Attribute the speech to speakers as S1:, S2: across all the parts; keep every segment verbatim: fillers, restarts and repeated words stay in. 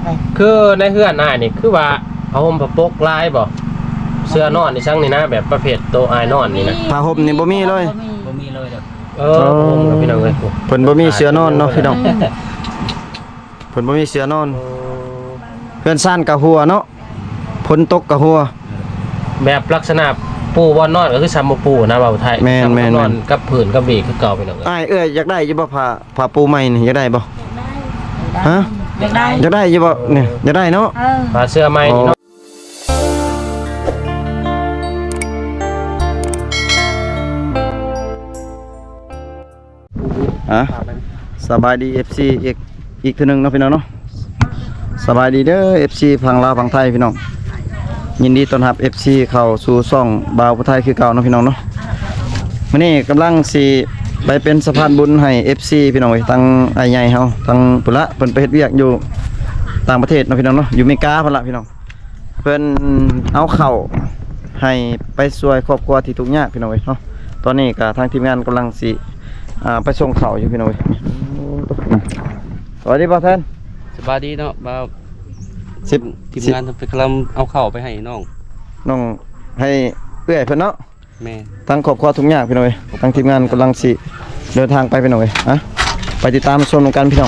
S1: คือในเฮือนอ้ายนี่คือว่าเอาห่มผ้าปกลายบ่เสื้อนอนนี่ซั่งนี่นะแบบประเภทโตอ้ายนอนนี่นะ
S2: ผ้าห่มนี่บ่มีเลย
S3: บ่มีเลยดอก
S1: เออห่มกับพี่น้องเอ้ย
S2: เพิ่นบ่มีเสื้อนอนเนาะพี่น้องเพิ่นบ่มีเสื้อนอนเพื่อนซ่านกะหัวเนาะฝนตกกะหัว
S1: แบบลักษณะปูบ่นอนก็คือซ้ำบ่ปูนะบ่าวไทย
S2: แม่นๆ
S1: นอนกับผืนกับเบรกคือเก่าพี่น้องเอ้ย
S2: อ้ายเอ้ยอยากได้อยู่บ่ผ้าผ้าปูใหม่นี่อยากได้บ่ฮะ
S3: อยากได้
S2: อยากได้อยู่บ่เนี่ยอยากได้เนาะ
S1: ผ้าเสื้อใหม่นี่เนาะ
S2: อ่ะสบายดี เอฟ ซี อีกอีกทีนึงเนาะพี่น้องเนาะสบายดีเด้อ เอฟ ซี ฝั่งลาวฝั่งไทยพี่น้องยินดีต้อนรับ เอฟ ซี เข้าสู่ช่องบ่าวผู้ไทยคือเก่าเนาะพี่น้องเนาะมื้อนี้กำลังสิไปเป็นสะพานบุญให้ เอฟ ซี พี่น้องทั้งไอ้ใหญ่เฮาทั้งปุระเพิ่นไปเฮ็ดเวียกอยู่ต่างประเทศเนาะพี่น้องเนาะอยู่อเมริกาพุ่นละพี่น้องเพิ่นเอาข้าวให้ไปช่วยครอบครัวที่ทุกข์ยากพี่น้องเนาะตอนนี้ก็ทางทีมงานกำลังสิอ่าไปส่งข้าวอยู่พี่น้องสวัสดีบ่าวแทน
S4: สบายดีเนาะบ่าว
S2: สิบ
S4: ทีมงานทำไปกำลังเอาข้าวไปให้น้อง
S2: น้องให้เอื้อยเพิ่นเนาะ
S4: แม่
S2: ทั้งครอบครัวทุกอย่างพี่น้องทางทีมงานกำลังสิเดินทางไปพี่น้องอ่ะไปติดตามชมกันพี่น้อง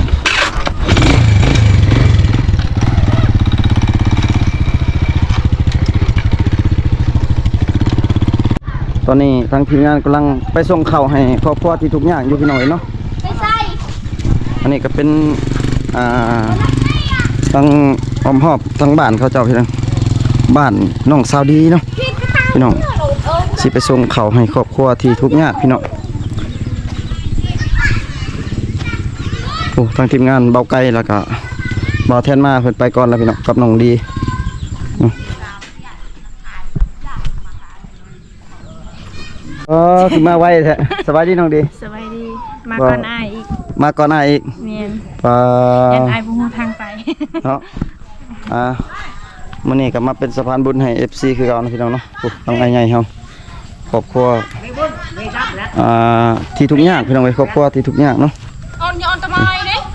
S2: ตอนนี้ทางทีมงานกำลังไปส่งข้าวให้ครอบครัวที่ทุกอย่างอยู่พี่น้องเนาะอันนี้ก็เป็นอ่าทั้งอ้อมหอบทั้งบ้านเขาเจ้าพี่น้องบ้านน้องสาวดีเนาะพี่น้องสิไปส่งข้าวให้ครอบครัวที่ทุกอย่างพี่น้องโอ้ทางทีมงานเบาไกลแล้วก็เบาแทนมาเพิ่นไปก่อนแล้วพี่น้องกับน้องดีเออขึ้นมาไวแท้สบายดีน้องดี
S5: สบายดีมาก่อนอ้ายอีก
S2: มาก่อนอ้ายอีก
S5: แม่น
S2: ปลา
S5: ยันอ้ายบ่ฮู้ทางไป
S2: เนาะอ่ามื้อนี้ก็มาเป็นสะพานบุญให้ เอฟ ซี คือเก่านะพี่น้องเนาะโอ้ต้องอ้ายใหญ่เฮาครอบครัวอ่าที่ทุกอย่างพี่น้องเอ้ยครอบครัวที่ทุกอย่างเนาะ
S5: ออนยอนตะไม้เด้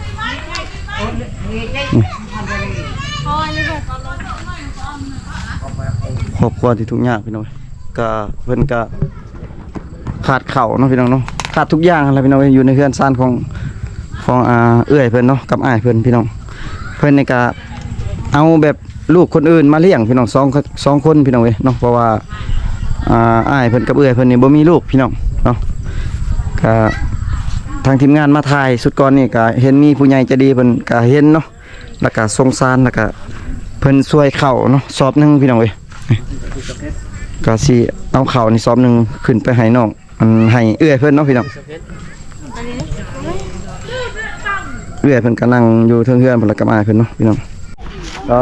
S2: ครอบครัวที่ทุกอย่างพี่น้องก็เพิ่นก็ขาดเข่าเนาะพี่น้องเนาะขาดทุกอย่างอะไรพี่น้องอยู่ในเฮือนซ่านของของอ่าเอื้อยเพิ่นเนาะกับอ้ายเพิ่นพี่น้องเพิ่นนี่ก็เอาแบบลูกคนอื่นมาเลี้ยงพี่น้องสองสองคนพี่น้องเว้ยเนาะเพราะว่าอ่าอ้ายเพิ่นกับเอื้อยเพิ่นนี่บ่มีลูกพี่น้องเนาะก็ทางทีมงานมาถ่ายสุดก่อนนี่ก็เห็นมีผู้ใหญ่ใจดีเพิ่นก็เห็นเนาะแล้วก็สงสารแล้วก็เพิ่นช่วยเข้าเนาะสอบนึงพี่น้องเว้ยก็สิเอาข้าวนี่ซ้อมหนึ่งขึ้นไปให้น้องมันให้เอื้อยเพิ่นเนาะพี่น้องเอื้อยเพิ่นก็นั่งอยู่เทิงเฮือนเพิ่นแล้วก็มาเพิ่นเนาะพี่น้องก็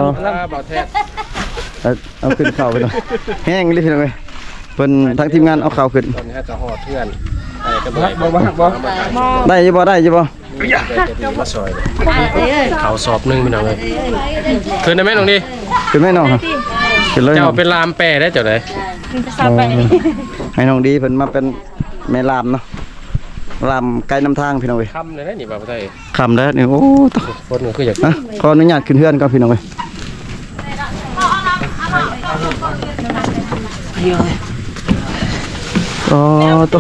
S2: เอาขึ้นข้าวไปเนาะแห้งเลยพี่น้องเอ้ยเพิ่นทั้งทีมงานเอาข้าวขึ้น
S1: ตอนนี้จะหอดเพื่อนได้บ่บ่บ่
S2: ได้อยู่บ่ได้อยู่บ่
S1: มาซอยข้าวสอบนึงพี่น้องเอ้ยขึ้นได้มั้ยน้องดี
S2: ขึ้นมั้ยน้อง
S1: เจ้าเป็นลามแปรได้เจ้าได
S2: ให้น้องดีเพิ่นมาเป็นแม่ลามเนาะลามไกลนำทางพี่น้องเว้ย
S1: ค่ำเลยนะนี่บ่าวไทย
S2: ค่ำแล้วนี่โอ้ต
S1: คนก็คืออยาก
S2: นะขออนุญาตขึ้นเฮือนก่อนพี่น้องเว้ยอ๋อตัว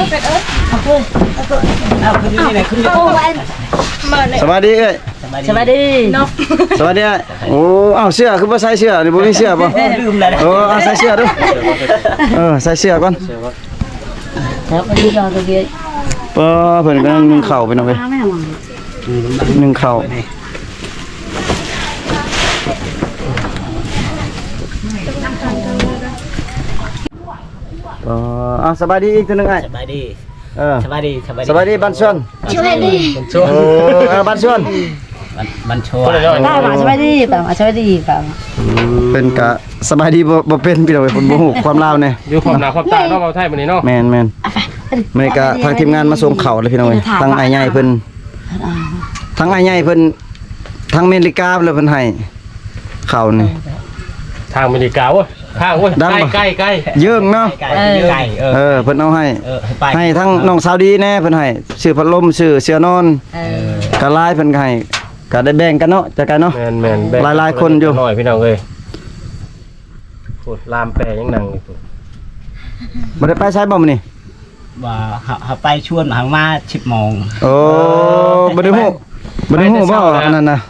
S2: สวัสดีเอ้ย
S3: สวัสดี
S5: เนาะ
S2: สวัสดีโอ้อ้าวเสื้อคือบ่ใส่เสื้อนี่บ่มีเสื้อบ่
S3: ลืมแล้ว
S2: เออใส่เสื้อดูเออใส่เสื้อก่อน
S3: ครับดีจังตัวเดียว
S2: เปิ้นเพิ่นกำลังนึ่งข้าวไปเนาะเว้ยนึ่งข้าวเอออ่ะสบายดีอีกทีนึงไอ้
S3: สบายดี
S2: เออ
S3: สบายดีสบายดี
S2: สบายดีบ้านชวน
S5: สบายดี
S2: โอ้เออบ้านชวน
S3: มันชัวร์
S5: ได้ป่ะสบายดีป่ะสบายดีป่ะ
S2: เป็นกะสบายดีบ่บ่เป็นพี่น้องเพิ่นบ่ฮู้ความลาวแน่
S1: อยู่ความหน้าความตาเนาะบ่าวไทยมื้อนี้เนาะ
S2: แม่นๆมื้อนี้ก็ทางทีมงานมาส่งข้าวเลยพี่น้องเอ้ยทางอ้ายใหญ่เพิ่นทางอ้ายใหญ่เพิ่นทางอเมริกาเลยเพิ่นให้ข้าวนี่
S1: ทางอเมริกาเว้ยทางเว้ยใกล้ๆใกล้
S2: เยิ่งเนาะ
S3: ไก่
S2: เออเพิ่นเอาให้ให้ทั้งน้องสาวดีแน่เพิ่นให้ซื้อพัดลมซื้อเสื้อนอน
S3: เอ
S2: อกะลายเพิ่นให้ก็ได้แบ่งกันเนาะจากกันเนาะ
S1: แม่นแม่นแบ่ง
S2: หลายๆคนอยู่
S1: น้อยพี่น้องเอ้ยพูดลามแปรยังนั่งอยู่พูด
S2: บ่ได้ไปใช้บ่มื้อนี้
S3: ว่าเขาเขาไปชวนเขามาสิบโมง
S2: โอ้บ่ได้ฮู้บ่ได้ฮู้บ่อันนั้นน่ะ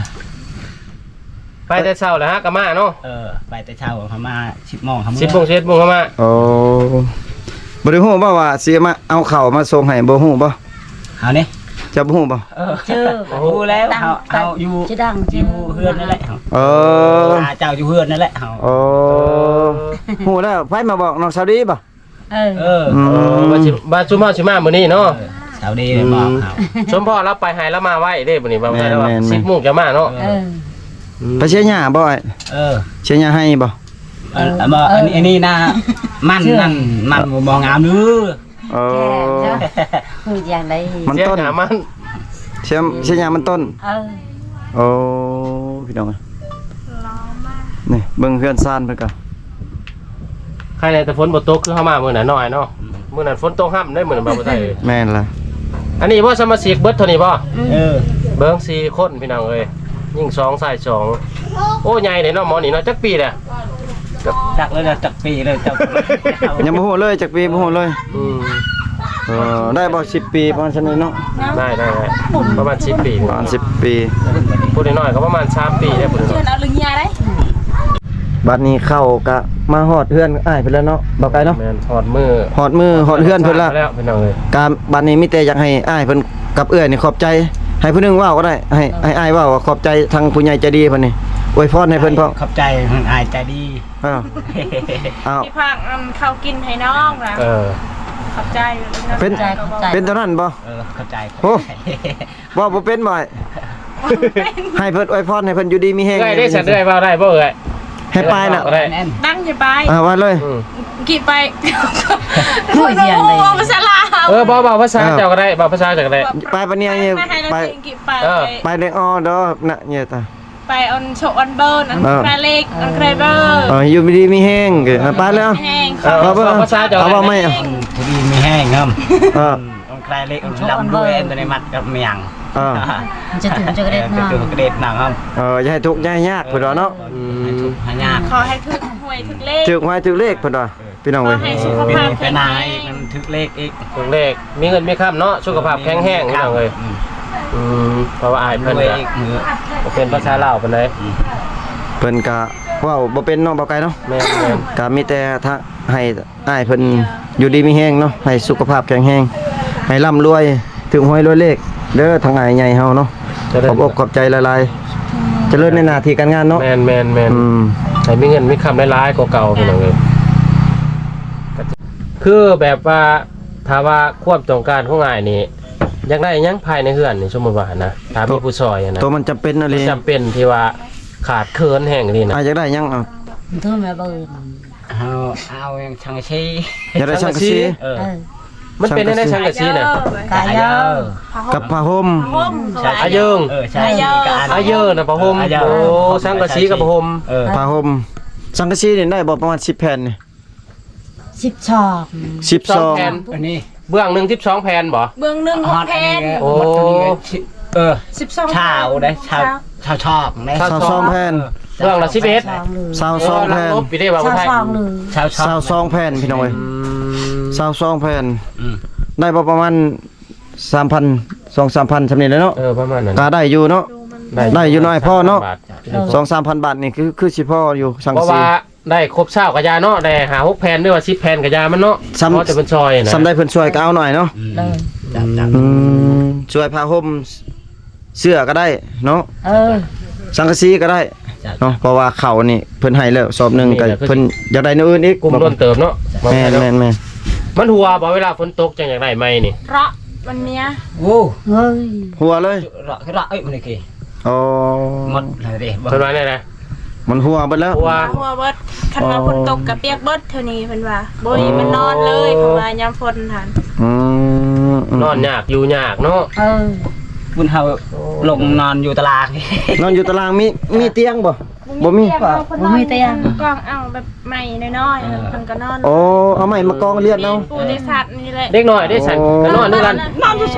S1: ไปแต่เช้าแล้วฮะก็มาเนาะ
S3: เออไปแต่เช้าเขามาสิบโมงเขา
S1: สิบโมงเจ็ดโมงก็มา
S2: โอ้บ่ได้ฮู้บ่ว่าสิมาเอาข้าวมาส่งให้บ่ฮู้บ่
S3: เขานี่
S2: จะบ่ฮู้บ่
S3: เออเจอรู้แล้วเขาเขาอยู่
S5: จะดัง
S3: อยู่เฮือนนั่นแหละเขา
S2: เออ
S3: ตาเจ้าอยู่เฮือนนั่นแหละเขา
S2: โอ้ฮู้แล้วไผมาบอกน้องสาวดีบ่
S5: เออ
S3: เออ
S2: อื
S1: เออ
S2: ม
S1: บาชิบาชุมาชิมามื้อนี้เนาะ
S3: สาวดีเลยบอกเขา
S1: ชมพ่อรับไปให้แล้วมาไว้เด้มื้อนี้บ่ได้แล้วว่า
S2: แม่นๆ
S1: สิบโมงจะมาเนาะ
S5: เออ
S2: ไปเชียร์หญ้าบ่ไอ้
S3: เออ
S2: เชียร์หญ้าให้บ่
S3: เออบ่อันนี้อันนี้นะมันนั่นมันบ่งามนื้อ
S2: เออ
S5: แก่เจ้าคืออย่างไร
S2: มัน
S1: เสีย
S2: ต้น
S1: หามัน
S2: เชียร์เชียร์หญ้ามันต้น
S5: เออ
S2: โอ้พี่น้องเอ้ยนี่เบิ่งเพื่อนซ่านเพิ่นก็
S1: ใครในแต่ฝนบ่ตกคือเฮามามื้อนั้นน้อยเนาะมื้อนั้นฝนตกห้ำได้มื้อนั้นบ่ได้
S2: แม่นล่ะ
S1: อันนี้บ่สมาชิกเบิดเท่านี้บ่
S3: เออ
S1: เบิ่งสี่คนพี่น้องเอ้ยยิ่งสองใส่สองโอ้ใหญ่เลยเนาะหมอนี่เนาะจักปีแหละ
S3: จักเลยจักปีเลยจัก
S2: ยังบ่ฮู้เลยจักปีบ่ฮู้เลย
S1: อืม
S2: เออได้บ่สิบปีประมาณซั่นนี่เนาะ
S1: ได้ได้ได้ประมาณสิบปี
S2: ประมาณสิบปี
S1: พูดน้อยๆก็ประมาณสามปีได้พูดน้อย
S5: เอาลึงยาได้
S2: บัดนี้เข้าก็มาฮอดเฮือนอ้ายเพิ่นแล้วเนาะบ่ไกลเนาะ
S1: แม่นถอดมือ
S2: ฮอดมือฮอดเฮือนเพิ่นแล้ว
S1: แล้วพี่น้องเอ้ย
S2: การบัดนี้มีแต่อยากให้อ้ายเพิ่นกับเอื้อยนี่ขอบใจให้ผู้หนึงเว้าก็ได้ให้ให้อ้ายเว้าว่าขอบใจทางผู้ใหญ่ใจดีเพิ่นนี่อวยพรให้เพิ่นพร้อม
S3: ขอบใจมันอายใจดี
S2: อ้าวอ้าว
S6: พี่พักนำข้าวกินให้น้องนะ
S1: เออ
S6: ขอบใจเลยนะ
S2: เป็น
S5: ใจขอบใจ
S2: เป็นเท่านั้นบ่
S3: เออขอบใจ
S2: โอ้ บ่บ่เป็นบ่ให้เพิ่นอวยพรให้เพิ่นอยู่ดีมีแฮง
S1: เอ้ยได้สัตว์ได้เปล่าได้บ่เอ้ย
S2: ให้ปลายน่ะ
S1: ได้
S3: แน่น
S6: ตั้งอย่าไป
S2: อ่าว่าเลย
S1: อืม
S6: กี่ไป
S5: พูดอย่างไร
S6: โอ้ภาษาลาว
S1: เออบ่เบาภาษาเจ้าก็ได้เบาภาษาเจ้าก็ได้
S2: ไปปะเนี่ยเนี่ย
S6: ไม่ให้เรา
S2: ไป
S6: เองกี่ไป
S1: เออ
S2: ไปในออดอน่ะเนี่ยตา
S6: ไปออนโชว์ออนเบิร์นออน
S2: เออ
S6: แครเล็กออนแครเบอร์
S2: เอออยู่ดีมีแฮงเด้อไปแล้ว
S6: แห้ง
S1: เออ
S2: เอาบ่
S1: เบาภาษาเจ้าก็
S2: เอา
S1: ได้
S2: บ่ไม่เอา
S3: ทุดีมีแห้งครับ
S2: เออ
S3: องใครเล็กองดำด้วยอันในมัดกับเมียง
S2: เออ
S5: มันจะถึงจะกระเด็น
S3: จะ
S5: มา
S3: ถูกกระเด็ดหนังครับ
S2: เอออย่าให้ทุกข์อย่าให้ยากเพิ่นว่าเนาะ
S3: ให้ถูกหายาก
S6: ขอให้ถึกหวยถึกเลข
S2: ถึกไว้ถึกเลขเพิ่นว่าพี่น้อง
S6: ขอ
S2: เว้ย
S6: ให้สุข
S3: เป็น
S6: ภาพ
S3: เป็
S6: แข็
S3: น
S6: ง
S3: นา
S6: แร
S3: ย
S6: ง
S3: มันทึกเลขอีก
S1: ถึงเลขมีเงินมีค่ำเนาะสุขภาพแข็งแรงพี่น้องเอ้ยอืมเพราะว่าอาย
S3: ร
S1: เพิ่น
S3: วย
S1: ก็
S3: อีกมือ
S1: บ่เป็นภาษาลาวปานใด
S2: เพิ่นก็เว้าบ่เป็นเนาะบ่ไกลเนาะ
S1: แม่นแม่น
S2: ก็มีแต่ถ้าให้อ้ายเพิ่นอยู่ดีมีแฮงเนาะให้สุขภาพแข็งแรงให้ร่ำรวยถึงหวยรวยเลขเด้อทางอ้ายใหญ่เฮาเนาะขอบอกขอบใจหลายๆเจริญในหน้าที่การงานเนาะ
S1: แม่นแม่นแม่น
S2: อืม
S1: ให้มีเงินมีคำหลายๆกว่าเก่าพี่น้องเอ้ยก็จะคือแบบว่าถ้าว่าควบต้องการของอ้ายนี่อยากได้หยังภายในเฮือนนี่สมมุติว่านะถ้ามีผู้ซอยอะนะ
S2: ตัวมันจำเป็นอะไร
S1: จำเป็นที่ว่าขาดเคินแห่งนี่นะ
S2: อ้ายอยากได้หยังเอา
S5: เธอแม่เบิร์น
S3: เอาเอาอย่างชังชี
S2: อยากได้ช่างกะซี
S3: เออ
S5: เออ
S1: มันเป็นได้ในช่างกะซีน่ะ
S5: กายเยอะ
S2: กับผ้าห่ม
S6: ห่ม
S1: อาเยิง
S3: เออใช่
S1: อาเยอะนะพะห่มโอ้ช่างกะซีกับพะห่ม
S3: เออ
S2: ผ้าห่มสังกะสีนี่ได้บ่ประมาณสิบแผ่นนี่
S5: สิบชอก
S2: สิบสอง
S1: แผ่น
S3: อันนี้
S1: เบื้องหนึ่งสิบสองแผ่นบ่
S6: เบื้องหนึ่งหกแผ่น
S3: โอ้เออ
S6: สิบสอง
S3: ชาวได้ชาวชาวชอบได้
S2: สาวสองแผ่น
S1: เบื้องละสิบเอ็ด
S5: สองหรือ
S2: สาวสองแผ่น
S1: ลบไปได้ว่า
S5: ชาว
S1: ไทย
S5: สองหรือ
S3: ชาวชอบ
S2: สาวสองแผ่นพี่น้องเอ้ย
S1: อืม
S2: สาวสองแผ่น
S3: อืม
S2: ได้บ่ประมาณสามพัน สองสามพันสำนี้เลยเนาะ
S1: เออประมาณนั้น
S2: ก็ได้อยู่เนาะ ได้อยู่น้อยพ่อเนาะ
S1: บท
S2: สองสามพันบาทนี่คือคือสิพ่ออยู่สัง
S1: เพ
S2: กะ
S1: ราะ
S2: สี
S1: ว่าได้ครบเช้ากะยาเนาะได้หาหกแผ่นด้วยว่าสิบแผ่นกะยามันเนาะ
S2: ซ้ำ
S1: เพราะจะเป็นซอยนะ
S2: สำได้เพิ่นช่วยก็เอาหน่อยเนาะ
S5: เลย
S3: จับจับ
S2: อืมช่วยผ้าห่มเสื้อก็ได้เนาะ
S5: เออ
S2: สังกะสีก็ได้เนาะเพราะว่าเขานี่เพิ่นให้แล้วสอบหนึงก็เพิ่นอยากได้อนอื่นอีก
S1: กลุ่มล้นเติมเนาะ
S2: แม่นแม่นแม่น
S1: มันหัวบ่เวลาฝนตกจังอยากได้ไหมนี่
S6: เพราะมันเนี้ย
S3: โอ้
S5: เฮ้ย
S2: หัวเลย
S3: ระระเอ้ยมันนี่กี่
S2: อ๋อ
S3: หมดเลยดิ
S1: เท่านั้นเลยนะ
S2: มันหัวเบิดแล้ว
S1: หัว
S6: หัวเบิดคันว่าฝนตกกับเปียกเบิดเท่านี้เพิ่นว่าบ่มีมันนอนเลยเพราะว่ายามฝนทัน
S2: อืม
S1: นอนยากอยู่ยากเนาะ
S5: เออ
S3: บุญเฮาลงนอนอยู่ตาราง
S2: นอนอยู่ตารางมีมีเตียงบ่บ่มี
S5: บ่มีเตียง
S6: กองเอาแบบใหม่น้อยๆเพิ่นก็นอน
S2: โอ้เอาไม้มากองเลียดเอา
S6: ปูได้สัตว์นี่แหละ
S1: เด็กน้อยได้สั่นก็นอนด้วยกัน
S6: นอนอยู่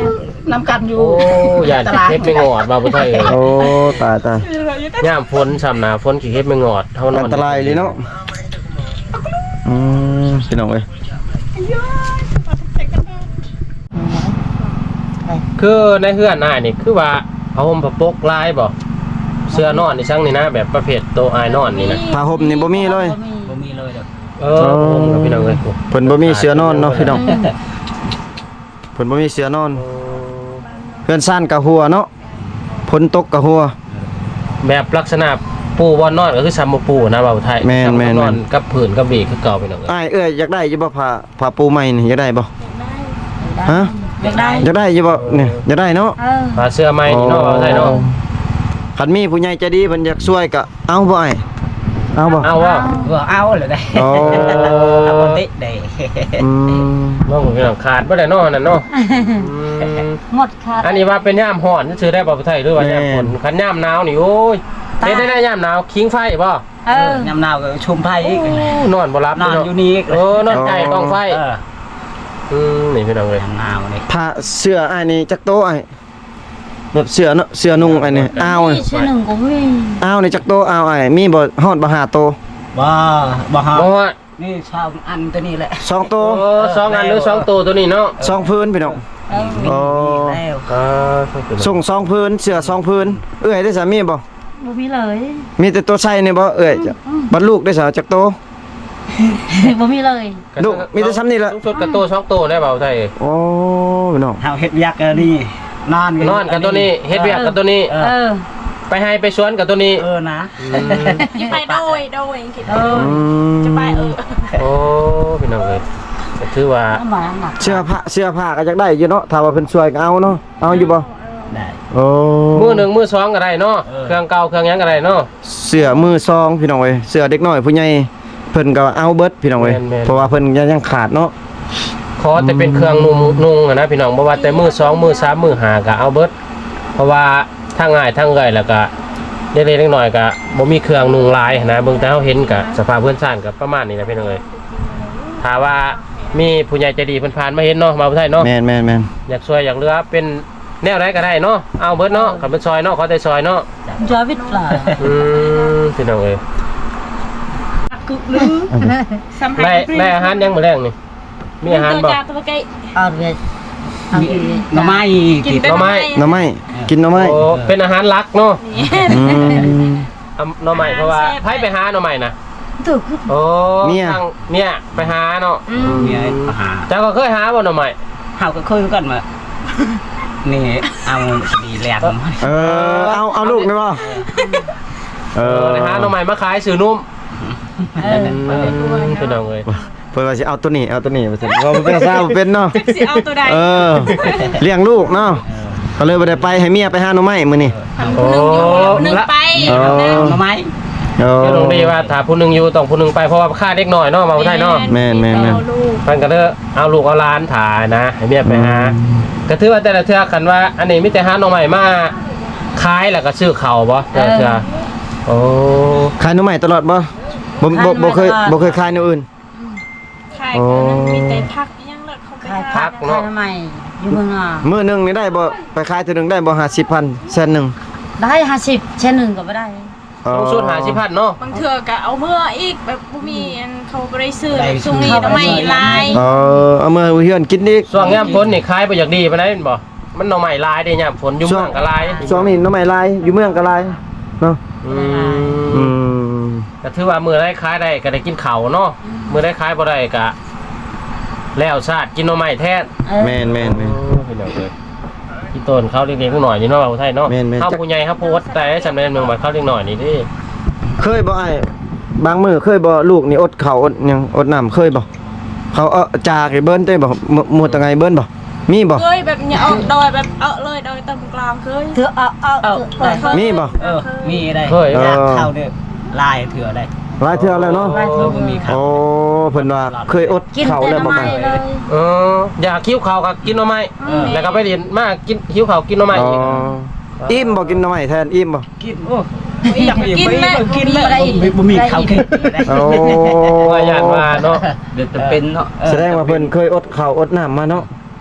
S3: น้ำกันอยู่
S1: โอ้ยานขี้เฮ็ดไม่งอดบ่าวผู้ไทยเอ้ย
S2: โอ้ตายตาย
S1: ย่ามฝนซ้ำหน้าฝนขี้เฮ็ดไม่งอดเท่านอ
S2: อั
S1: น
S2: นตรายเลยเนาะอืมพี่น้องเอ้ย
S1: คือในเฮือนอ้ายนี่คือว่าเอาห่มผ้าปกลายบ่เสื้อนอนนี่ซังนี่นะแบบประเภทโตอายนอนนี่นะ
S2: ผ้าห่มนี่บ่มีเลย
S3: บ่มีเลยเด้อ
S1: เออผมกับพี่น้องเอ้ย
S2: เพิ่นบ่มีเสื้อนอนเนาะพี่น้องเพิ่นบ่มีเสื้อนอนเพื่อนซ่านกะหัวเนาะฝนตกกะหัว
S1: แบบลักษณะปูบอนนอนก็คือซัมบ่ปูนะบ่าวไทย
S2: แม่นแม่น
S1: นอนกับผืนกับเบรกคือเก่าพี่น้องเอ้ย
S2: อ้ายเอ้ยอยากได้อยู่บ่ผ้าผ้าปูใหม่นี่อยากได้บ่ฮะ
S5: อยากได้
S2: อยากได้อยู่บ่เนี่ยอยากได้เนาะ
S5: เออ
S1: ผ้าเสื้อใหม่นี่เนาะบ่าวไทยเนาะ
S2: คันมีผู้ใหญ่ใจดีเพิ่นอยากช่วยก็เอาบ่อ้ายเอาบ่
S1: เอาว่า
S3: ก็เอาเลยได้
S2: โอ้
S3: เอาปกติได้
S2: อืม
S1: น้องพี่น้องขาดบ่ได้เนาะนั่นเนาะอืม
S5: หมดค่ะ
S1: อันนี้ว่าเป็นย่ามฮ้อนซื้อได้บ่าวไทยหรือว่าย่ามฝนคันย่ามหนาวนี่โอ้ยเฮ็ดได้ได้ย่ามหนาวคิงไฟบ่
S5: เออ
S3: น้ำหนาวก็ชุมไผอีก
S1: นอนบ่หลับ
S3: นอน
S1: เาะ
S3: อยู่นี่
S1: เออนอนไก่กองไฟ
S3: เออ
S1: อืมนี่พี่น้องเอ้ย
S3: น้ำหนาวนี่
S2: ผ้าเสื้ออ้ายนี่จักโตอ้ายแบบเสื้อเนาะเสื้อนุ่งอ้ายนี่อ้าวนี่
S5: ชื่อหนึ่งก็มี
S2: อ้าวนี่จักโตอ้าวอ้ายมีบ่ฮอดบ่ห้าโต
S3: บ่บ่ฮอด
S1: บ่ว่า
S3: นี่ชาวอันตัวนี้แหละ
S2: สองโต
S1: โอ้สองอันหรือสองตัวตัวนี้เนาะ
S2: สองพื้นพี่น้อง
S5: เออ
S3: มี
S2: อ๋อ
S3: มีแล้ว
S1: อ่าส่งตัว
S2: ส่งสองพื้นเสื้อสองพื้นเอ้ยได้สามีบ่
S5: บ่มีเลย
S2: มีแต่ตัวใส่นี่บ่เอ้ยจ้ะบัดลูกได้สาจักโต
S5: บ่มีเลย
S2: ลูกมีแต่ซ้ำนี่ล่ะ
S1: ต้องชุดกับตัวสองตัวได้เปล่าไทย
S2: โอ้พี่น้อง
S3: เฮาเฮ็ดยักษ์อันนี้นอน
S1: นอนกับตัวนี้เฮ็ดเวียกกับตัวนี้
S3: เอ
S5: เอ
S3: อ
S5: อ
S1: ไปให้ไปสวนกับตัวนี้
S3: เออนะ
S6: จะไปโดยโดยคิด
S5: เออ
S2: อืม
S6: จะไปเออ
S1: โอ้พี่น้องเอ้ยก็ถือว่า
S5: ลำบากหนัก
S2: เสื้อผ้าเสื้อผ้าก็อยากได้อยู่เนาะถ้าว่าเพิ่นช่วยก็เอาเนาะเอาอยู่บ่
S3: ได้
S2: โอ้
S1: มือหนึ่งมือสองก็ได้เนาะ
S3: เออ
S1: เครื่องเก่าเครื่องหยังก็ได้เนาะ
S2: เสื้อมือซองพี่น้องเอ้ยเสื้อเด็กน้อยผู้ใหญ่เพิ่นก็เอาเบิดพี่น้องเอ้ย
S1: แม่นๆ
S2: เพราะว่าเพิ่นยังยังขาดเนาะ
S1: ขอแต่เป็นเครื่องนุ่งนุ่งอะนะพี่น้องบ่ว่าแต่มือสองมือสามมือห้าก็เอาเบิดเพราะว่าทางง่ายทางเอ้อยแล้วก็เล็กๆน้อยๆก็บ่มีเครื่องนุ่งหลายนะเบิ่งแต่เฮาเห็นก็สภาพเพื่อนซ่านก็ประมาณนี้นะพี่น้องเอ้ยถ้าว่ามีผู้ใหญ่ใจดีเพิ่นผ่านมาเห็นเนาะมาบ่ไทยเนาะ
S2: แม่นแม่นแม่น
S1: อยากช่วยอยากเหลือเป็นแนวไหนก็ได้เนาะเอาเบิดเนาะขับเป็นซอยเนาะขอแต่ซอยเนาะ
S5: จอวิทย์เปล่า
S1: อืมพี่น้องเอ้ย
S6: กึกลือสัมผัส
S1: ได้ได้อาหารยังมื้อแรงนี่มีอาหาร
S6: ตัว
S1: บ่
S6: จาตัวไก่
S5: เอาเวทเอาเวท
S3: หน่อไม้
S6: กิน
S3: กิน
S6: เป็น
S1: หน่อไม้
S2: หน่อไม้กินหน่อไม้
S1: โอ้เป็นอาหารหลักเนาะ
S6: นี่
S2: อืม
S1: เอาหน่อไม้เพราะว่าไผไปหาหน่อไม้น่ะ
S5: ถูกคือ
S1: โอ้
S2: เมีย
S1: ทางเนี่ยไปหาเนาะ
S6: อืม
S3: มีอะไรอาหาร
S1: เจ้าก็เคยหาบ่หน่อไม้
S3: เฮาก็คุยกันมานี่เอาดีแลกมา
S2: เออเอาเอาลูกได้บ่เอ
S1: เออ
S2: อ
S1: ไปหาหน่อไม้มาขายซื้อนุ่ม
S5: เออ
S1: อืมพี่น้องเอ้ย
S2: เพิ่นว่าสิเอาตัวนี้เอาตัวนี้ว่าซั่นว่ามันเป็นซาบ่เป็นเนาะ
S6: สิเอาตัวใด
S2: เออเลี้ยงลูกเนาะก็เลยบ่ได้ไปให้เมียไปหาหน่อไม้มื้อนี้
S1: โอ้
S6: หนึ่งไป
S2: เออ
S6: นะ
S3: หน่อไม้
S2: เออ
S1: เจ้าลงดีว่าถ้าผู้หนึงอยู่ต้องผู้หนึงไปเพราะว่าค่าเด็กน้อยเนาะมาบ่ได้เนาะ
S2: แม่นแม่นแม่น
S6: เอาลูก
S1: เพิ่นก็เด้อเอาลูกเอาหลานถ่ายนะให้เมียไปหาก็ถือว่าแต่ละเทื่อคันว่า อันนี้มีแต่หาหน่อใหม่มาขายแล้วก็ซื้อข้าวบ่แต่ละเทื่อโอ้
S2: ขายหน่อไม้ตลอดบ่บ่บ่บ่เคยบ่เคยขายแนวอื่น
S6: ขายกันนั้นมีแต่พักยังเลิกเขาไป
S5: ขาย
S6: หา
S5: ผักขายทำไมอยู่เมืองอ่ะ
S2: มื้อหนึงนี่ได้บ่ไปขายเทื่อหนึงได้บ่ห้าสิบพันแสนหนึง
S5: ได้ห้าสิบเช่นหนึ่งก็ไม่ได้
S1: ต้องสูตรหาสิพันเนาะ
S6: บางเทื่อก็เอาเมื่ออีกแบบบ่มีอันเขาบ่ได้ซื้อแบบช่วงนี้ทำไมลาย
S2: เออเอามาเฮือนกินอีก
S1: ช่วงยามฝนนี่ขายบ่อยากดีปานใดแม่นบ่มันหน่อใหม่ลายเด้ยามฝนอยู่เมืองก็ลาย
S2: ช่วงนี้หน้ำไม้ลายอยู่เมืองก็ลายเนาะ
S1: อื
S2: อื
S1: ม
S2: ม
S1: ก็ถือว่ามื้อใดขายได้ก็ได้กินข้าวเนาะมื้อใดขายบ่ได้ก็แล้วชาติกินหน่อใหม่แท้
S5: เออ
S2: แม่นแม่นแม่น
S1: พี่น้องเอ้ยพี่ต้นเขาเล็กๆหน่อยนี่เนาะว่าไทยเนาะ
S2: แม่นๆ
S1: เข้าผู้ใหญ่ครับโพสต์แต่สำเร็จเมืองมาเข้าเล็กหน่อยนี่ดิ
S2: เคยบ่ไอ้บางมื้อเคยบ่ลูกนี่อดข้าวอดหยังอดน้ำเคยบ่เขาเอาจากให้เบิ้นได้บ่มหมดตังไงเบิ้นบ่มีบ่
S6: เคยแบบเนี่ยเอาดอยแบบเอาเลยดอยตำกลางเคย
S5: เธอเอาเอา
S3: เอา
S5: เปิด
S2: มีบ่
S3: เออมีได้
S1: เคย
S2: เออ
S3: เข้าเนี่ยลายเถื่อได้
S2: หลายเทื่อแล้วเนาะ
S3: เออบ่มีครับ
S2: โอ้เพิ่นว่าเคยอด
S5: กิน
S2: ข้าว
S5: แต่
S2: แล้วบ่
S5: ทำไม
S2: กัน
S5: เลย
S1: เอออยากคิ้วเขาวก็กินหน่อไม้
S3: เออ
S1: แล้วก็ไปเรียนมากินคิ้วเขาวกินหน่อไม้
S2: อ๋อ
S1: อีก
S2: อิ่มบ่กินหน่อไม้แทนอิ่มบ่
S3: กินโอ้ยอยากกินเลยกินเลยบ่มีข้าวกินได้
S2: โอ้
S1: ว่าญาติว่าเนาะ
S3: เดี๋ยวจะเป็นเนาะ
S2: แสดงว่าเพิ่นเคยอดข้าวอดน้ำมาเนาะ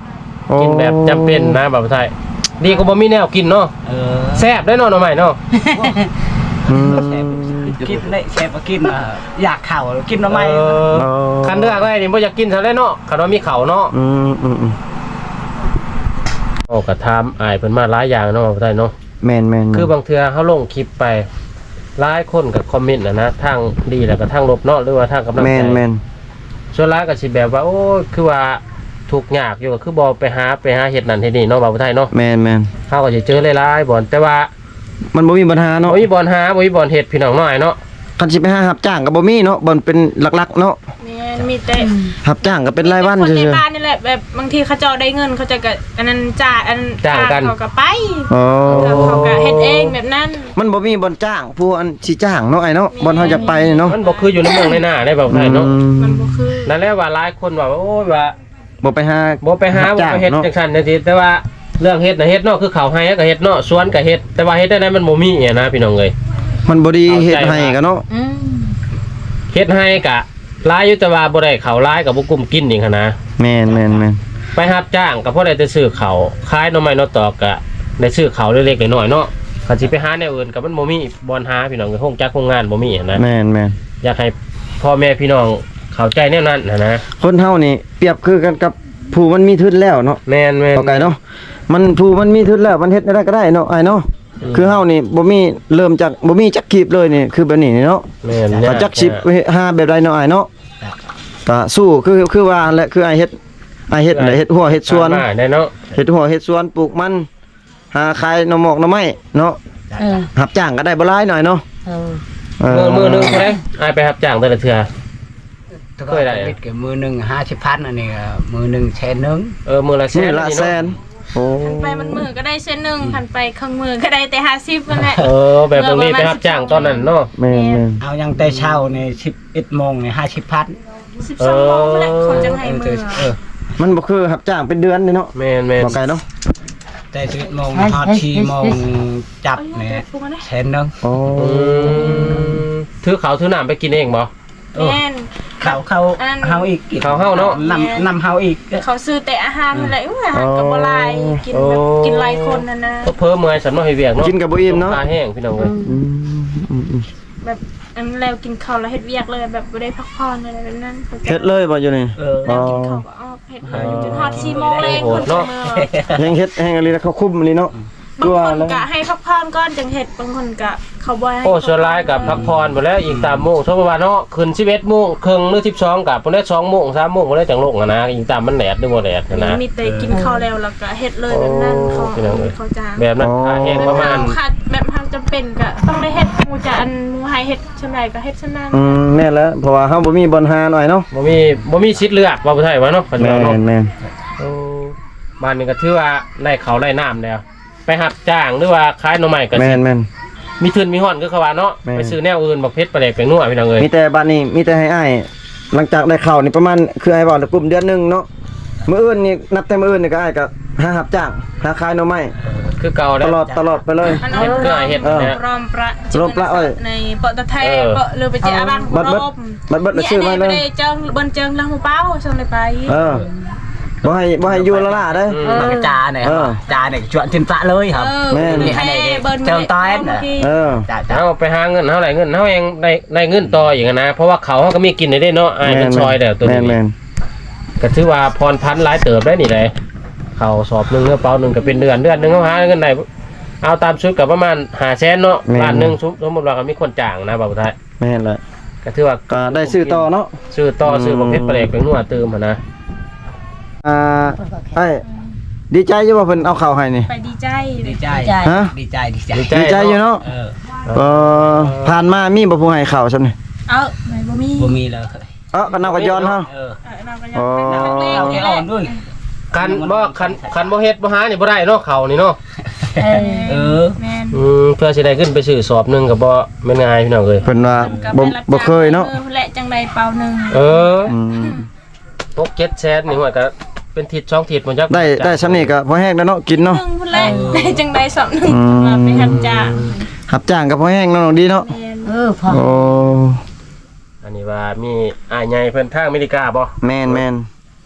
S1: กินแบบจำเป็นนะบ่าวไทยดีก็บ่มีแนวกินเนาะ
S3: เออ
S1: แซ่บได้เนาะหน่อไม้เนาะ
S2: อืม
S3: กินได้แซ่บกินอ่ะอยากข้าวกินหน่อไม้
S1: เออคันเลือกไว้นี่บ่อยากกินซะแล้วเนาะคันว่ามีข้าวเนาะ
S2: อืมอืมอืม
S1: โอ้ก็ถามอ้ายเพิ่นมาหลายอย่างเนาะบ่าวไทยเนาะ
S2: แม่นแม่น
S1: คือบางเทื่อเฮาลงคลิปไปหลายคนก็คอมเมนต์น่ะนะทางดีแล้วก็ทางลบเนาะหรือว่าทางกำลังใจ
S2: แม่นแม่น
S1: ส่วนหลายก็สิแบบว่าโอ้ยคือว่าทุกข์ยากอยู่ก็คือบ่ไปหาไปหาเฮ็ดนั่นเฮ็ดนี่เนาะบ่าวไทยเนาะ
S2: แม่นแม่น
S1: เฮาก็สิเจอหลายๆบ่อนแต่ว่า
S2: มันบ่มีปัญหาเนาะ
S1: บ่มีบ่อนหาบ่มีบ่อนเฮ็ดพี่น้องน้อยเนาะ
S2: คันสิไปหารับจ้างก็บ่มีเนาะบ่อนเป็นหลักๆเนาะ
S6: แม่นมีแต่
S2: รับจ้างก็เป็นรายวัน
S6: คน
S2: ซื่
S6: ใน
S2: อ
S6: บ้านนี่แหละแบบบางทีเขาเจ้าได้เงินเขาจะก็อันนั้นจ่ายอันเขาก็ไป
S2: ๆอ๋อ
S6: แล้วเขาก็เฮ็ดเองแบบนั้น
S2: มันบ่มีบ่อนจ้างผู้อันสิจ้างเนาะไอ้เนาะบ่อนเฮาจะไปเนาะ
S1: มันบ่คืออยู่ในเมืองในหน้าได้บ่าวไทยเนาะ
S2: อื
S6: มัน
S2: ม
S6: บ่คือ
S1: นั่นแหละว่าหลายคนว่าโอ้ยว่า
S2: บ่ไปหา
S1: บ่ไปหา
S2: รับ
S1: บ่
S2: จ้าง
S1: ไปเฮ็ด
S2: เนาะ
S1: จังซั่นจังซี่แต่ว่าเรื่องเฮ็ดน่ะเฮ็ดเนาะคือเขาให้ก็เฮ็ดเนาะสวนก็เฮ็ดแต่ว่าเฮ็ดได้นั้นมันบ่มีอะนะพี่น้องเอ้ย
S2: มันบ่ดีเฮ็ดให้ก็เนาะ
S5: อืม
S1: เฮ็ดให้ก็หลายอยู่แต่ว่าบ่ได้ข้าวหลายก็บ่กุ้มกินนี่หันนะ
S2: แม่นแม่นแม่น
S1: ไปรับจ้างก็พอได้แต่ซื้อข้าวขายหน่อไม้หน่อตอกก็ได้ซื้อข้าวเล็กๆน้อยๆเนาะคันสิไปหาแนวอื่นก็มันบ่มีบ่อนหาพี่น้องก็คงจักคงงานบ่มีอะนะ
S2: แม่นแม่น
S1: อยากให้พ่อแม่พี่น้องเข้าใจแนวนั้นนะนะ
S2: คนเฮานี่เปรียบคือกันกับผู้มันมีทุนแล้วเนาะ
S1: แม่นแม่น
S2: เข้าใจเนาะมันผู้มันมีทุนแล้วมันเฮ็ดได้ก็ได้เนาะไอ้เนาะ
S1: อืม
S2: คือเฮานี่บ่มีเริ่มจากบ่มีจักขีบเลยนี่คือแบบนี้นี่เนาะ
S1: แม่น
S2: ก็จักสิบหาแบบใดเนาะไอ้เนาะก็สู้คือคือว่าแหละคือไอ้เฮ็ดไอ้เฮ็ดแหละเฮ็ดหัวเฮ็ดสวน
S1: มาได้เนาะ
S2: เฮ็ดหัวเฮ็ดสวนปลูกมันหาขายหน่อหมอกหน่อไม้เนาะ
S5: เออ
S2: รับจ้างก็ได้บ่หลายหน่อยเนาะ
S5: เออ
S2: เอ
S1: มือมือหนึงเท่าไหร่อายไปรับจ้างแต่ละเทื่อ เคยได้อะ
S3: เก็บมือหนึ่งห้าสิบพันอันนี้ก็มือหนึ่งแสนหนึ่ง
S1: เออมือละแส
S2: มื้อน ละ
S1: นี่
S2: แส
S1: เนาะ
S2: นโอ้
S6: หันไปมันมือก็ได้เส้นหนึ่งหันไปครึ่งมือก็ได้แต่ห้าสิบนั่นแหละ
S1: เออแบบตรงนี้ไปรับจ้างตอนนั้นเนาะ
S2: แม่นแม่น
S3: เอายังแต่เช้าในสิบเอ็ดโมงในห้าสิบพัน
S6: สิบสองโมงนั่นแหละเขาจะให้มือ
S3: เออ
S2: มันบ่คือรับจ้างเป็นเดือนนี่เนาะ
S1: แม่นแม่น
S2: บ่ไกลเนาะ
S3: แต่สิบเอ็ดโมงฮอดสี่โมงจับเนี่ยแสนหนึ่ง
S2: โอ้
S1: อืมถือเขาวถือน้ำไปกินเองบ่
S3: เออ
S6: แม่น
S3: เขาเขา
S6: อัน
S3: เฮาอีก
S1: เขาเฮาเนาะ
S3: นำนำเฮาอีก
S6: เขาซื้อแต่อาหารนั่นแหละอุ้ยอาหารกับบ่หลายกินแบบกินหลายคนนั่นนะ
S1: เพิ่มเมื่อยสำนักให้เวียกเนาะ
S2: กินกับบ่อิ่มเนาะ
S1: ตาแห้งพี่น้องเอ้ย
S2: อืมอืมอืม
S6: แบบอันแล้วกินข้าวแล้วเฮ็ดเวียกเลยแบบบ่ได้พักผ่อนอะไรแบบนั้นเขาจะ
S2: เฮ็ดเลยบ่อยู่นี่
S3: เออ
S6: แล้วกินข้าวก็ออกเฮ็ดเลยจนฮอดสี่โมงเลยคนเสมอ
S2: แฮงเฮ็ดแฮงอะไรแล้วเขาคุมนี่เนาะ
S6: บางคนก็ให้พักผ่อนก่อนจังเฮ็ดบางคนก็เขาบ่ให้
S1: โอ้ส่วนหลายกับพักผ่อนหมดแล้วอีกสามโมงชั่วโมงเนาะขึ้นสิบเอ็ดโมงครึ่งหรือสิบสองกับพวกนี้สองโมงสามโมงพวกนี้จังลงอะนะอีกตามมันแดดหรือบ่แดดนะนะ
S6: มีแต่กินข้าวแล้วแล้วก็เฮ็ดเลยแบบนั้นเขา
S1: โอ้พี่น้องเอ้ย
S6: เขาจ้าง
S1: แบบนั้นตาแห้งประมาณ
S6: ขาดแบบทางจำเป็นก็ต้องได้เฮ็ดหมู่จะอันหมู่ให้เฮ็ดชั่วใดก็เฮ็ดชั่วนั้น
S2: อืมแม่นแล้วเพราะว่าเฮาบ่มีบอลหาหน่อยเนาะ
S1: บ่มีบ่มีสิทธิ์เลือกว่าผู้ไทยว่าเนาะปัจจุ
S2: แม่
S1: บันเนาะ
S2: นแม่น
S1: โอ้บ้านนี้ก็ถือว่าไล่เขาไล่น้ำแล้ว ไปหับจ้างหรือว่าขายหน่อไม้ก็
S2: แม่
S1: สิ
S2: นแม่น
S1: มีทุนมีห่อนคือเขาว่าเนาะ
S2: แม่น
S1: ไปซื้อแนวอื่นบักเพชรปลาแดกแปลงนัวพี่น้องเอ้ย
S2: มีแต่บัดนี้มีแต่ให้อ้ายหลังจากได้เข้านี่ประมาณคือไอ้บอกกลุ่มเดือนหนึงเนาะมื้ออื่นนี่นับแต่มื้ออื่นนี่ก็อ้ายก็หารับจ้างหาขายหน่อไม้
S1: คือเก่า
S2: ต
S1: แล้ว
S2: ลอดตลอดไปเลย
S6: อัน
S1: เฮ็ดเพื่อให้เฮ็ด
S2: เออ
S1: นะ
S6: รอมประ
S2: รอมประเอ้ย
S6: ในเปาะตะไทย
S1: เออ
S6: เปาะเรือไปเจ้าบ้าน
S2: บัดเบิด
S6: รอม
S2: บัดเบิดแล้วซื้อมาเลย
S6: นี่ได้เจิงเบิ่นเจิงแล้วหมู่เป้าส่งได้ไป
S2: เออบ่ให้บ่ให้อยู่ละล่ะเด้อ
S1: อืม
S3: มันก็จาเนี่ย
S2: เออ
S3: จาเนี่ยชวนทินปลาเลยครับ
S6: เออ
S2: แม่น
S6: แม่เบิ่น
S3: เจิงต้อยน่ะ
S2: เออ
S3: จ้าจ้า
S1: เอาไปหาเงินเท่าไหร่เงินเท่าเองได้ได้เงินต่ออย่างนั้นนะเพราะว่าเขาเขาก็มีกินได้เนาะอายเป็นซอยแล้วตัว
S2: แม่
S1: นี้
S2: นแม่น
S1: ก็ถือว่าพรพันหลายเติบได้นี่เลยเขาสอบหนึงกระเป๋าหนึงก็เป็นเดือนเดือนหนึงเขาหาเงินได้เอาตามชุดก็ประมาณห้าแสนเนาะล้านหนึงสมมุติว่าเขามีคนจ้างนะบ่าวไทย
S2: แม่นเลย
S1: ก็ถือว่า
S2: ก็ได้ซื้อต่อเนาะ
S1: ซื้อต่อซื้อบักเพชรปลาแดกแปลงนัวเติมหั่นนะ
S2: อ่าไอ้ดีใจอยู่ว่าเพิ่นเอาข้าวให้นี่
S6: ไปดีใจ
S3: ดีใจ
S2: ฮะ
S3: ดีใจดีใจ
S1: ดีใจ
S2: ดีใจอยู่เนาะ
S3: เออ
S2: เออผ่านมามีบ่ผู้ให้ข้าวซั่นนี่
S6: เอาไหนบ่มี
S3: บ่มีเลย
S2: เอ้อก็นำก็ย้อนเฮา
S3: เออ
S6: เออเราก็ยัง
S2: อ๋อ
S6: เป็นนักเลง
S3: เรา
S6: นี่
S3: แค่
S6: แห
S3: อ่อ
S6: ละ
S3: นด้วย
S1: คันบ่คันคันบ่เฮ็ดบ่หานี่บ่ได้เนาะเขานี่เนาะ
S5: เออ
S3: เออ
S6: แม่น
S1: อืมเพื่อสิได้ขึ้นไปซื้อสอบหนึงก็บ่แม่นง่ายพี่น้องเอ้ย
S2: เพิ่นว่า
S6: ก็
S2: บ่
S6: ไปรับ
S2: บ่เคยเนาะ
S6: ออและจังใดเป่าหนึง
S1: เออ
S2: อืม
S1: ตกเจ็ดแสนนี่ว่าก็เป็นทิศช่องทิศมันจัก
S2: ได้ได้ซำนี้ก็พอแห้งแล้วเนาะกินเนาะ
S6: หนึงพุ่นแหละได้จังใดสองหนึง
S2: อืม
S6: มาไปทำจ้าง
S2: รับจ้างก็พอแห้งเนาะน้องดีเนาะ
S6: แม่น
S5: เออพอ
S2: โอ้
S1: อันนี้ว่ามีอ้ายใหญ่เพิ่นทางอเมริกาบ่
S2: แม่นแม่น
S1: เพิ่น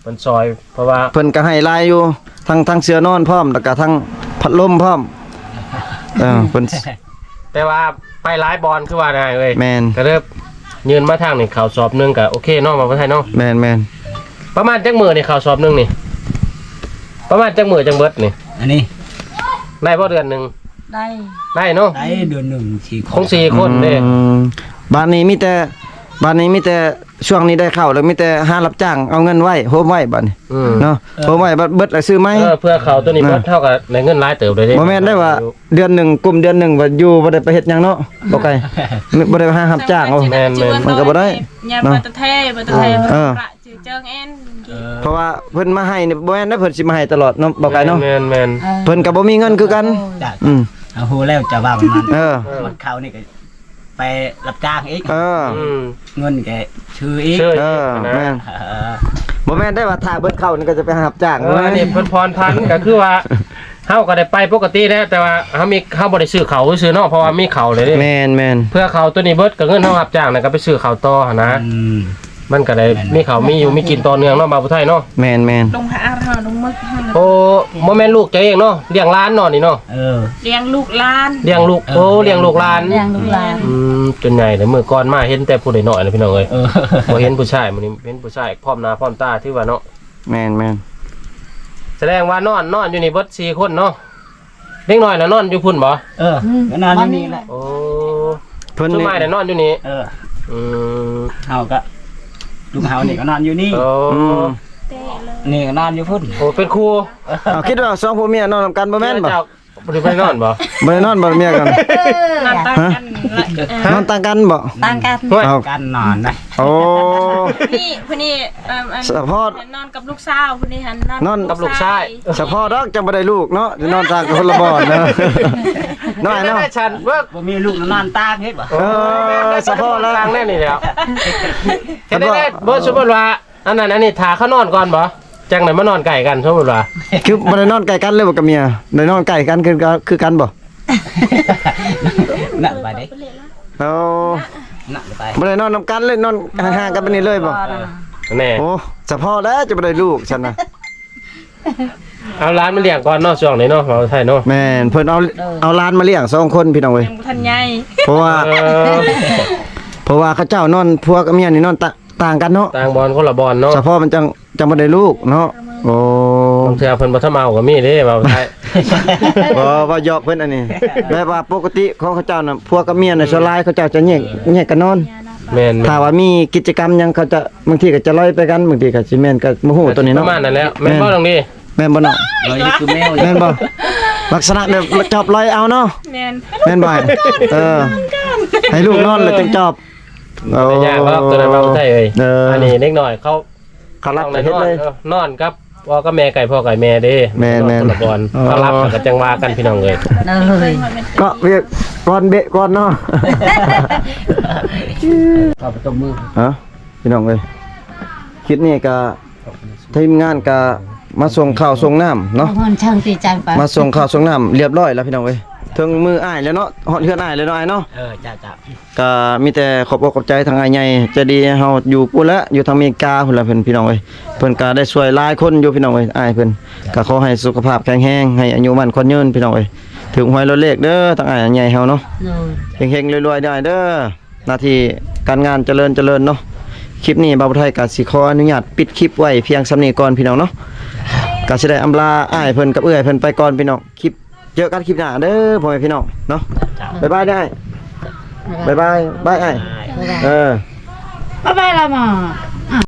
S1: มันซอยเพราะว่า
S2: เพิ่นก็ให้ลายอยู่ทั้งทั้งเสื้อนอนพร้อมแล้วก็ทั้งพัดลมพร้อมเออเพิ่น
S1: แต่ว่าไปหลายบอลคือว่าได้เว้ย
S2: แม่น
S1: ก็เริ่มยืนมาทางนี่ข่าวสอบหนึงก็โอเคเนาะมาบ่ไทยเนาะ
S2: แม่นแม่น
S1: ประมาณจักมื้อนี่ข่าวสอบหนึงนี่ประมาณจักมื้อจังเบิดนี่
S3: อันนี้
S1: ได้บ่เดือนหนึง
S5: ได้
S1: ได้เนาะ
S3: ได้เดือนหนึ่งสี่
S1: คงสี่คนเด้
S2: อืมบ้านนี้มีแต่บ้านนี้มีแต่ช่วงนี้ได้เข้าแล้วมีแต่หารับจ้างเอาเงินไว้โฮมไว้บัดนี้
S1: อืม
S2: เนาะโฮมไว้บัดเบิดแล้วซื้อไหม
S1: เออเพื่อเขาตัวนี้เบิดเท่ากับในเงินหลายเติบเลยเด้
S2: บ่แม่นได้ว่าเดือนหนึ่งกลุ่มเดือนหนึ่งว่าอยู่บ่ได้ไปเฮ็ดหยังเนาะบ่ไกลบ่ได้ไปหารับจ้างเอา
S1: แม่นแม่น
S2: มันก็บ่ได้
S6: ยาบัตเทบัตเท
S2: เออ
S6: ประจือเจิงเอ็น
S2: เพราะว่าเพิ่นมาให้นี่บ่แม่นได้เพิ่นสิมาให้ตลอดเนาะบ่ไกลเนาะ
S1: แม่นแม่น
S5: ออ
S2: เพิ่นก็บ่มีเงินคือกัน
S3: จ้ะ
S2: อืม
S3: เอาฮู้แล้วจะว่ามัน
S2: เออ
S3: มันเข้านี่ก็ไปรับจ้างอีก
S2: เออ
S1: อืม
S3: เงินแกชื่ออีก
S1: เชื่อ
S2: เออ
S1: นะ
S2: แม่น
S3: เออ
S2: บ่แม่นได้ว่าถ้าเบิดเข้านี่ก็จะไปหารับจ้าง
S1: เอออันนี้เพิ่นพรพันก็คือว่าเฮาก็ได้ไปปกติแล้วแต่ว่าเฮามีเฮาบ่ได้ซื้อเขาซื้อเนาะเพราะว่ามีเขาเลยเด้
S2: แม่นแม่น
S1: เพื่อเขาตัวนี้เบิดก็เงินเฮารับจ้างน่ะก็ไปซื้อเขาต่อหั่นนะ
S3: อืม
S1: มันก็ได้มีเขามีอยู่มีกินต่อเนื่องเนาะมาบ่ไทยเนาะ
S2: แม่นแม่น
S6: ลงหาอาหารลงมึกให้
S1: โอ้บ่แม่นลูกเจ้าเองเนาะเลี้ยงหลานเนาะนี่เนาะ
S3: เออ
S6: เลี้ยงลูกหลาน
S1: เลี้ยงลูกโอ้เลี้ยงลูกหลาน
S5: เลี้ยงลูกหลาน
S1: อืมจนใหญ่เลยมื้อก่อนมาเห็นแต่ผู้ใดน้อยเลยพี่น้องเอ้ย
S3: เออ
S1: บ่เห็นผู้ชายมื้อนี้เห็นผู้ชายพร้อมหน้าพร้อมตาที่ว่าเนาะ
S2: แม่นแม่น
S1: แสดงว่านอนนอนอยู่นี่เบิดสี่คนเนาะเด็กน้อยน่ะนอนอยู่พุ่นบ่
S3: เออก็นอนอยู่นี่แหละ
S1: โอ้
S2: เพิ่น
S1: ต้น
S2: นี่
S1: ไม้น่ะนอนอยู่นี่
S3: เออ
S1: อืม
S3: เฮาก็ลุงเฮานี่ก็นอนอยู่นี่
S1: โอ้
S2: อืม
S6: เตะเลย
S3: นี่ก็นอนอยู่พุ่น
S1: โอ้เป็นครู
S2: เอาคิดว่าสองผัวเมียนอนนํกันบ่แม่นบ่
S1: เจ้าบ่ได้ไปนอนบ่
S2: บ่ได้นอนบ่เมียกัน
S6: นอนตั้งกันละเออน
S2: อนต่างกันบ่
S5: ต่างกัน
S1: เฮ้ย
S2: เอา
S3: กันนอนนะ
S2: โอ้
S6: นี่พนี่เอ่ออัน
S2: สะพอด
S6: นอนกับลูกสาวพนี่หัน
S2: นอน
S1: กับลูกชาย
S2: เฉพาะดอกจังบ่ได้ลูกเนาะจะนอนต่างกันคนละบ่อนเนาะน้อยเนาะ
S1: ได้ฉันเบิก
S3: บ่มีลูกนอนตากเฮ็ดบ่
S2: เออเฉพาะแล้ว
S1: ทางแน่นี่แล้วเฮ็ดได้ได้บ่สมมุติว่าอันนั้นอันนี้ถาเขานอนก่อนบ่จังได๋มานอนใกล้กันสมมุติว่า
S2: คือบ่ได้นอนใกล้กันเลยบ่กับเมียได้นอนใกล้กันคือคือกันบ่
S3: นั่นไปดิ
S2: เอา
S3: นั่นไป
S2: บ่ได้นอนนํกันเลยนอนห่างๆกันไปนี่เลยบ่
S1: แน่
S2: โอ้เฉพาะแล้วจะบ่ได้ลูกฉันน่ะ
S1: เอาร้านมาเลี้ยงก่อนเนาะช่วงนี้เนาะเราไทยเนาะ
S2: แม่นเพิ่นเอาเอาหลานมาเลี้ยงสองคนพี่น้องเว้ย
S6: ยังบ่ทันใหญ่
S2: เพราะว่า
S1: เออ
S2: เพราะว่าเขาเจ้านอนผัวกับเมียนี่นอนตะต่างกันเนาะ
S1: ต่างบอลคนละบอลเนาะ
S2: เฉพาะมันจังจังบ่ได้ลูกเนาะโอ้
S1: บางเทื่อเพิ่นบ่ทำเอาก็มีเด้ว่าไทย
S2: บ่ว่าหยอกเพิ่นอันนี้แบบว่าปกติของเขาเจ้าน่ะผัวกับเมียน่ะสลายเขาเจ้าจะแยกแยกกันนอน
S1: แม่น
S2: ถ้าว่ามีกิจกรรมหยังเขาจะบางทีก็จะลอยไปกันบางทีก็สิแม่นก็บ่ฮู้ตัวนี้
S1: ป
S2: เนาะ
S1: ระมาณนั้นแล้วแม่นบ่ตรงนี้
S2: แม่นบ่เนาะ
S3: ลอยคือแมว
S2: แม่นบ่ลักษณะแบบจอบลอยเอาเนาะ
S6: แม่น
S2: แม่นบ่เออให้ลูกนอนแล้วจังจอบโอ้
S1: ไม่ยากครับตัวนั้นว่าไทยเอ้ย
S2: เออ
S1: อันนี้เล็กน้อยเขา
S2: เขารับ
S1: ต้อง
S2: ไป
S1: ได้
S2: เฮ็ด
S1: นอน
S2: เลย
S1: เออนอนครับพ่อกับแม่ไก่พ่อไก่แม่เด้
S2: แม่นแม่น
S1: คนละบอล
S2: อ๋อ
S1: เขารับก็จังว่ากันพี่น้องเอ้ย
S5: เลย
S2: ก็เรียกก่อนเบะก่อนเนาะ
S3: เข้าไปตบมือ
S2: ฮะพี่น้องเอ้ยคลิปนี้ก็ทีมงานก็มาส่งข้าวส่งน้ำเนาะ
S5: มันช่างตีใจไป
S2: มาส่งข้าวส่งน้ำเรียบร้อยแล้วพี่น้องเอ้ยถึงมืออ้ายแล้วเนาะฮอดเฮือนอ้ายแล้วเนาะอ้ายเนาะ
S3: เออจ้าจ้า
S2: ก็มีแต่ขอบอกขอบใจทางอ้ายใหญ่ใจะดีให้เฮาอยู่ปุ่นละอยู่ทางอเมริกาพุ่นละเพิ่นพี่น้องเอ้ยเพิ่นก็ได้ช่วยหลายคนอยู่พี่น้องเอ้ยอ้ายเพิ่นก็ขอให้สุขภาพแข็งแรงให้อายุมั่นขวัญยืนพี่น้องเอ้ยถึงหวยรถเลขเด้อทางอ้ายใหญ่เฮาเนาะ
S5: เลย
S2: เฮงๆรวยๆได้เด้อหน้าที่การงานเจริญเจริญเนาะคลิปนี้บ่าวไทยก็สิขออนุญาตปิดคลิปไว้เพียงส่ำนี้ก่อนพี่น้องเนาะก็สิได้อำลาอ้ายเพิ่นกับเอื้อยเพิ่นไปก่อนพี่น้องคลิปเจอกันคลิปหน้าเด้อพ่อแม่พี่น้องเนาะบ๊ายบายได้บ๊ายบายบายอ้ายเออ
S5: บ๊ายบายละหมอ